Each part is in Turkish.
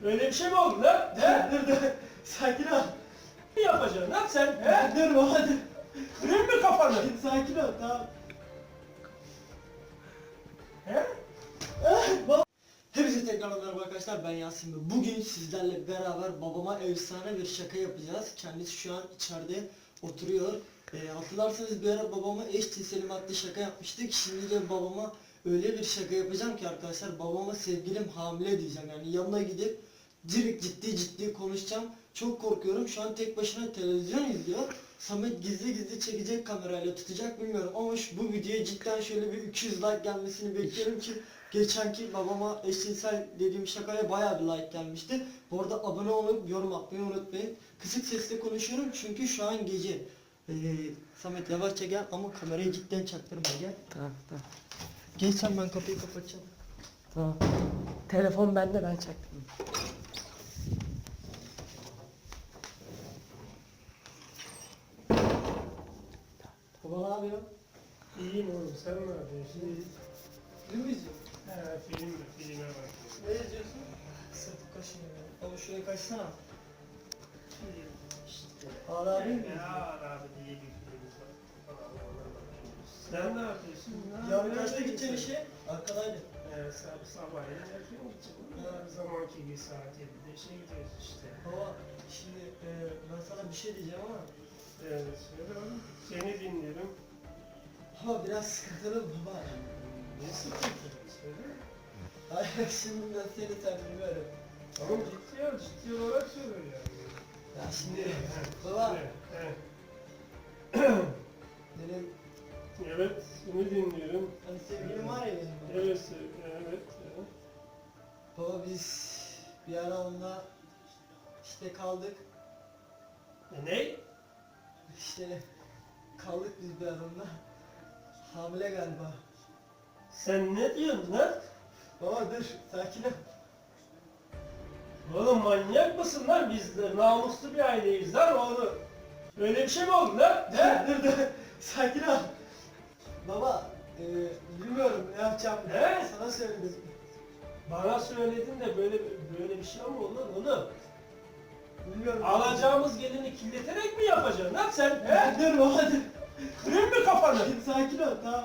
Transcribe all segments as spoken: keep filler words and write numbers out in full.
Öyle bir şey mi oldu lan? He? Dur dur. Sakin ol. Ne yapacaksın lan sen? He? Dur baba dur. Kırayım mı kafanı? Sakin ol tamam. He? Baba. Hepinize tekrar merhaba arkadaşlar, ben Yasin ve bugün sizlerle beraber babama efsane bir şaka yapacağız. Kendisi şu an içeride oturuyor. E, hatırlarsanız bir ara babama eşcinselim adlı şaka yapmıştık. Şimdi de babama öyle bir şaka yapacağım ki arkadaşlar, babama sevgilim hamile diyeceğim. Yani yanına gidip direkt ciddi ciddi konuşacağım. Çok korkuyorum. Şu an tek başına televizyon izliyor. Samet gizli gizli çekecek, kamerayla tutacak bilmiyorum ama şu, bu videoya cidden şöyle bir iki yüz like gelmesini bekliyorum ki geçenki babama eşcinsel dediğim şakaya bayağı bir like gelmişti. Bu arada abone olup yorum atmayı unutmayın. Kısık sesle konuşuyorum çünkü şu an gece. Ee, Samet yavaşça gel ama kamerayı cidden çaktırma, gel. Tamam tamam. Geç sen, ben kapıyı kapatacağım. Tamam. Telefon bende, ben çaktım. Baba ne yapıyor? İyiyim oğlum, sen ne yapıyorsun? İyi. Film mi izliyorsun? He, film mi? Filme bak. Ne izliyorsun? Sırtım kaşınıyor. Baba şuraya kaçsana. İşte. Ağla abi mi? Ya abi diye bir film var. Sen ne yapıyorsun? Yarın kaçta gideceksin işe? Arkadaydı. Ee, sab sabahleyin erken gideceğim. Her zamanki gibi saat yedide işe gidiyoruz işte. Baba şimdi e, ben sana bir şey diyeceğim ama Evet, söyle oğlum. Seni dinliyorum. ama biraz sıkıntılı baba. Ne sıkıntı? Söyle. Hayır şimdi ben seni tanımıyorum. Tamam, ciddi ol, ciddi olarak söyle yani. Ya şimdi Evet, baba söyle, evet. benim Evet, seni dinliyorum. hani sevgilim var ya benim baba. Evet, söyle, evet. evet. Baba biz bir ara onunla işte kaldık. E, ne? İşte kaldık biz bir ara onunla. Hamile galiba. Sen ne diyorsun lan? Baba dur sakin ol. Oğlum manyak mısın lan? Biz de namuslu bir aileyiz lan oğlum. Öyle bir şey mi oldu lan? He? Dur dur sakin ol. Baba e, bilmiyorum ne yapacağım. He? Sana söyledim. Bana söyledin de böyle böyle bir şey mi oldu oğlum? Bilmiyorum. Alacağımız gelini kirleterek mi yapacaksın lan sen? He? Dur baba dur. Kırayım mı kafanı? Sakin ol tamam.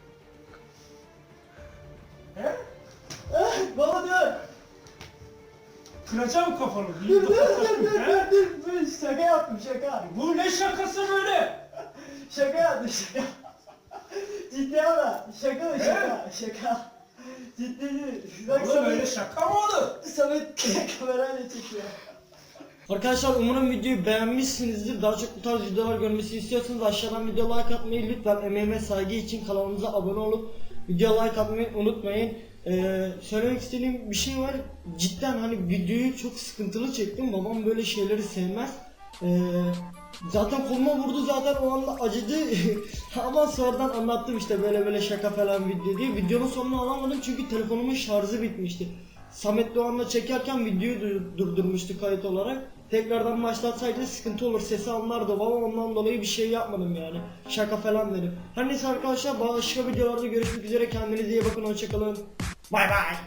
He? Ah, baba dur. Kıracağım kafanı. Dur dur dur dur dur dur. Dur şaka yaptım şaka. Bu ne şakası böyle? Şaka yaptım şaka. Ciddi ama şaka mı şaka şaka. Ciddi değil. Bak Oğlum öyle şaka mı olur? Samet kamerayla çekiyor. Arkadaşlar umarım videoyu beğenmişsinizdir. Daha çok bu tarz videolar görmesi istiyorsanız aşağıdan video like atmayı, lütfen emeğime saygı için kanalımıza abone olup video like atmayı unutmayın. Ee, söylemek istediğim bir şey var. Cidden hani videoyu çok sıkıntılı çektim. Babam böyle şeyleri sevmez. Ee, zaten koluma vurdu, zaten o anda acıdı. Ama sonradan anlattım işte böyle böyle şaka falan video diye. Videonun sonunu alamadım çünkü telefonumun şarjı bitmişti. Samet Doğan'la çekerken videoyu dur- durdurmuştu kayıt olarak. Tekrardan başlatsaydı sıkıntı olur, sesi anlardı baba, ondan dolayı bir şey yapmadım yani. Şaka falan dedim. Her neyse arkadaşlar, başka videolarda görüşmek üzere, kendinize iyi bakın, hoşçakalın. Bay bay.